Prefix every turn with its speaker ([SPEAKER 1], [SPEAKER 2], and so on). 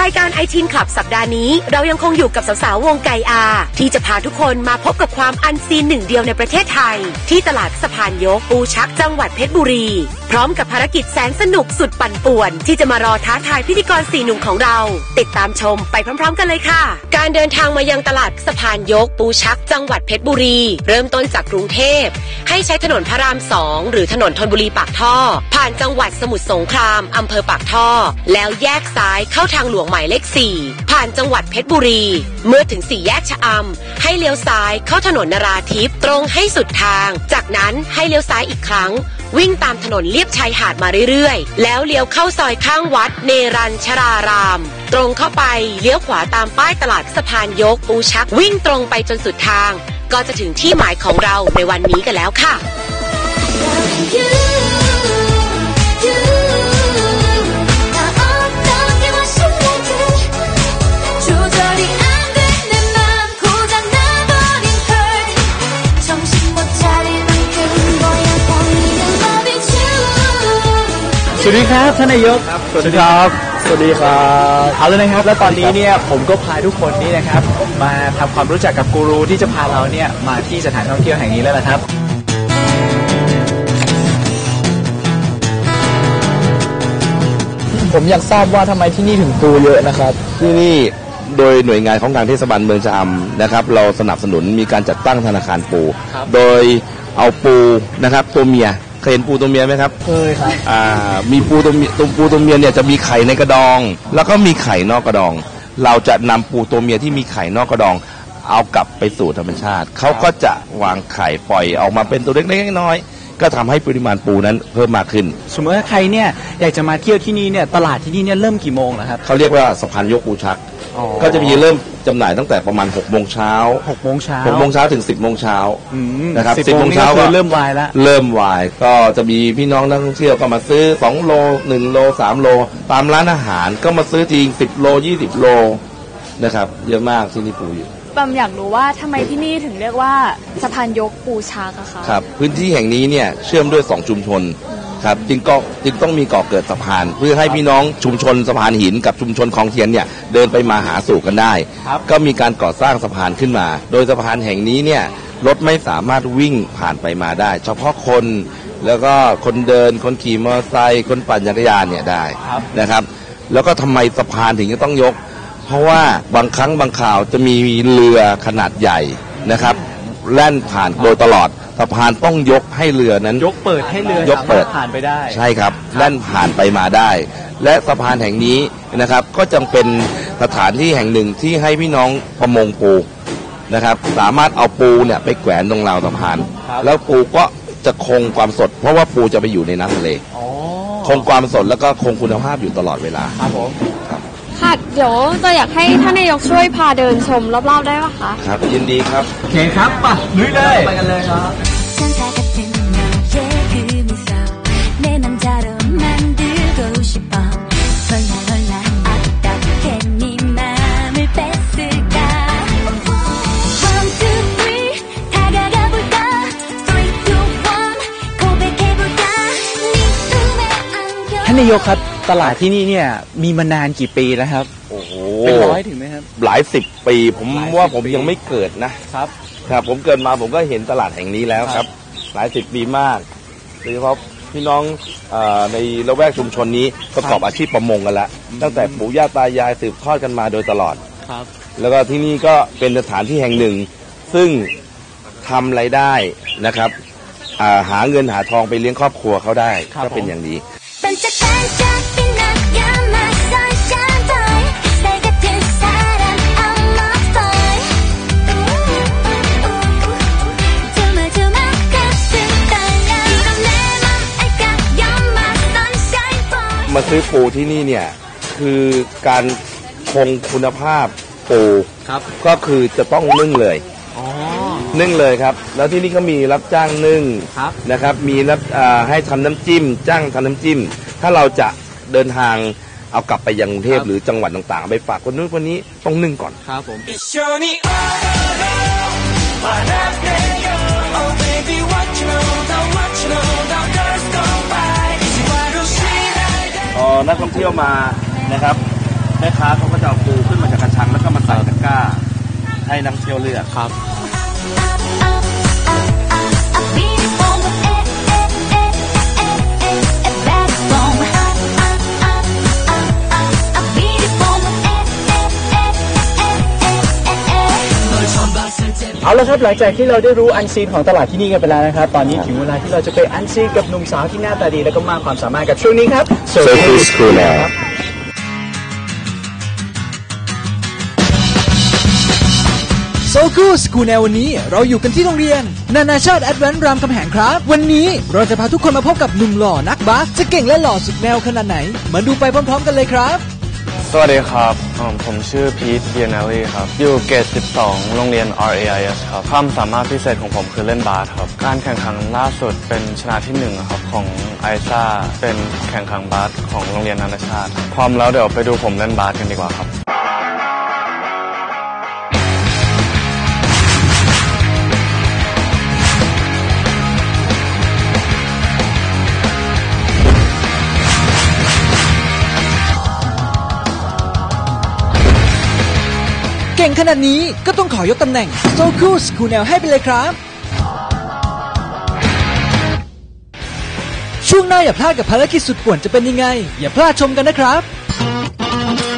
[SPEAKER 1] รายการไอทีนคลับสัปดาห์นี้เรายังคงอยู่กับสาวๆวงไก่อาที่จะพาทุกคนมาพบกับความอันซีนหนึ่งเดียวในประเทศไทยที่ตลาดสะพานยกปูชักจังหวัดเพชรบุรีพร้อมกับภารกิจแสนสนุกสุดปั่นป่วนที่จะมารอท้าทายพิธีกร4 หนุ่มของเราติดตามชมไปพร้อมๆกันเลยค่ะการเดินทางมายังตลาดสะพานยกปูชักจังหวัดเพชรบุรีเริ่มต้นจากกรุงเทพให้ใช้ถนนพระราม2หรือถนนธนบุรีปากท่อผ่านจังหวัดสมุทรสงครามอำเภอปากท่อแล้วแยกซ้ายเข้าทางหลวงหมายเลข4ผ่านจังหวัดเพชรบุรีเมื่อถึง4แยกชะอำให้เลี้ยวซ้ายเข้าถนนนราธิปตรงให้สุดทางจากนั้นให้เลี้ยวซ้ายอีกครั้งวิ่งตามถนนเลียบชายหาดมาเรื่อยๆแล้วเลี้ยวเข้าซอยข้างวัดเนรัญชรารามตรงเข้าไปเลี้ยวขวาตามป้ายตลาดสะพานยกปูชักวิ่งตรงไปจนสุดทางก็จะถึงที่หมายของเราในวันนี้กันแล้วค่ะ
[SPEAKER 2] สวัสดีครับท่านนายกสวัสดีครับสวัสดีครับเอาเลยนะครับแล้วตอนนี้เนี่ยผมก็พาทุกคนนี่นะครับมาทำความรู้จักกับกูรูที่จะพาเราเนี่ยมาที่สถานท่องเที่ยวแห่งนี้แล้วล่ะครับผมอยากทราบว่าทำไมที่นี่ถึงปูเยอะนะครับ
[SPEAKER 3] ที่นี่โดยหน่วยงานของทางเทศบาลเมืองชะอำนะครับเราสนับสนุนมีการจัดตั้งธนาคารปูโดยเอาปูนะครับตัวเมียเคยเห็นปูตัวเมียไหมครับ
[SPEAKER 2] เคยครับ
[SPEAKER 3] มีปูตัวเมียเนี่ยจะมีไข่ในกระดองแล้วก็มีไข่นอกกระดองเราจะนำปูตัวเมียที่มีไข่นอกกระดองเอากลับไปสู่ธรรมชาติเขาก็จะวางไข่ปล่อยออกมาเป็นตัวเล็กๆน้อยๆก็ทำให้ปริมาณปูนั้นเพิ่มมากขึ้น
[SPEAKER 2] สมมติว่าใครเนี่ยอยากจะมาเที่ยวที่นี่เนี่ยตลาดที่นี่เนี่ยเริ่มกี่โมงนะครับ
[SPEAKER 3] เขาเรียกว่าสะพานยกปูชักก็จะมีเริ่มจำหน่ายตั้งแต่ประมาณ6 โมงเช้าถึง10 โมงเช้านะครับ10 โมงเช้าก็
[SPEAKER 2] เริ่มวายแล้ว
[SPEAKER 3] ก็จะมีพี่น้องนักท่องเที่ยวก็มาซื้อ2 โล1 โล3 โลตามร้านอาหารก็มาซื้อจริง10 โล20 โลนะครับเยอะมากที่นี่ปูอยู่
[SPEAKER 4] ปั๊มอยากรู้ว่าทำไมที่นี่ถึงเรียกว่าสะพานยกปูชักอะคะ
[SPEAKER 3] ครับพื้นที่แห่งนี้เนี่ยเชื่อมด้วย2 ชุมชนครับจึงต้องมีก่อเกิดสะพานเพื่อให้พี่น้องชุมชนสะพานหินกับชุมชนคลองเทียนเนี่ยเดินไปมาหาสู่กันได้ก็มีการก่อสร้างสะพานขึ้นมาโดยสะพานแห่งนี้เนี่ยรถไม่สามารถวิ่งผ่านไปมาได้เฉพาะคนแล้วก็คนเดินคนขี่มอเตอร์ไซค์คนปั่นจักรยานเนี่ยได้นะครับแล้วก็ทำไมสะพานถึงจะต้องยกเพราะว่าบางครั้งบางข่าวจะมีเรือขนาดใหญ่นะครับแล่นผ่านโดยตลอดสะพานต้องยกให้เรือนั้น
[SPEAKER 2] ยกเปิดให้เรือสามารถผ่านไปได้
[SPEAKER 3] ใช่ครับแล่นผ่านไปมาได้และสะพานแห่งนี้นะครับก็จำเป็นสถานที่แห่งหนึ่งที่ให้พี่น้องประมงปูนะครับสามารถเอาปูเนี่ยไปแขวนตรงราวสะพานแล้วปูก็จะคงความสดเพราะว่าปูจะไปอยู่ในน้ำทะเลคงความสดแล้วก็คงคุณภาพอยู่ตลอดเวลา
[SPEAKER 2] ครับผม
[SPEAKER 4] ค่ะเดี๋ยวจะอยากให้ท่านนายกช่วยพาเดินชมรอบๆได้ไหมคะ
[SPEAKER 3] ครับยินดีครับ
[SPEAKER 2] โอเคครับป่ะลุยเลยไปกันเลยครับท่านนายกครับตลาดที่นี่เนี่ยมีมานานกี่ปีแล้วครับ
[SPEAKER 3] โอ้โห
[SPEAKER 2] เป็น100ถึงไหมครับ
[SPEAKER 3] หลาย10 ปีผมว่าผมยังไม่เกิดนะครับผมเกิดมาผมก็เห็นตลาดแห่งนี้แล้วครับหลาย10 ปีมากโดยเฉพาะพี่น้องในละแวกชุมชนนี้ประกอบอาชีพประมงกันแล้วตั้งแต่ปู่ย่าตายายสืบทอดกันมาโดยตลอด
[SPEAKER 2] ครับ
[SPEAKER 3] แล้วก็ที่นี่ก็เป็นสถานที่แห่งหนึ่งซึ่งทำรายได้นะครับหาเงินหาทองไปเลี้ยงครอบครัวเขาได้ก็เป็นอย่างนี้มาซื้อปูที่นี่เนี่ยคือการคงคุณภาพปูก็คือจะต้องนึ่งเลยนึ่งเลยครับแล้วที่นี่ก็มีรับจ้างนึ่งนะครับมีรับให้ทำน้ำจิ้มจ้างทำน้ำจิ้มถ้าเราจะเดินทางเอากลับไปยังกรุงเทพหรือจังหวัดต่างๆไปฝากคนนู้นคนนี้ต้องนึ่งก่อน
[SPEAKER 2] ครับผม
[SPEAKER 3] นักท่องเที่ยวมานะครับ
[SPEAKER 5] แม่ค้าเขาก็จะเอาปูขึ้นมาจากกระชังแล้วก็มาใส่ตะกร้าให้นักเที่ยวเลือก
[SPEAKER 2] ครับเอาละครับหลังจากที่เราได้รู้อันซีนของตลาดที่นี่กันไปแล้วนะครับตอนนี้ถึงเวลาที่เราจะไปอันซีนกับหนุ่มสาวที่หน้าตาดีและก็มากความสามารถกับช่วงนี้ครับ
[SPEAKER 3] Circle School ครับ
[SPEAKER 2] โซคูสคูลแนววันนี้เราอยู่กันที่โรงเรียนนานาชาติแอดแวนซ์รามคำแหงครับวันนี้เราจะพาทุกคนมาพบกับหนุ่มหล่อนักบาสจะเก่งและหล่อสุดแนวขนาดไหนมาดูไปพร้อมๆกันเลยครับ
[SPEAKER 6] สวัสดีครับผมชื่อพีทเบียนาลีครับอยู่เกรด 12 โรงเรียน RAIS ครับความสามารถพิเศษของผมคือเล่นบาสครับการแข่งขันล่าสุดเป็นชนะที่1ครับของไอซ่าเป็นแข่งขันบาสของโรงเรียนนานาชาติพร้อมแล้วเดี๋ยวไปดูผมเล่นบาสกันดีกว่าครับ
[SPEAKER 2] เก่งขนาดนี้ก็ต้องขอยกตำแหน่งโซคูสคูลแนวให้ไปเลยครับช่วงหน้าอย่าพลาดกับภารกิจสุดป่วนจะเป็นยังไงอย่าพลาดชมกันนะครับ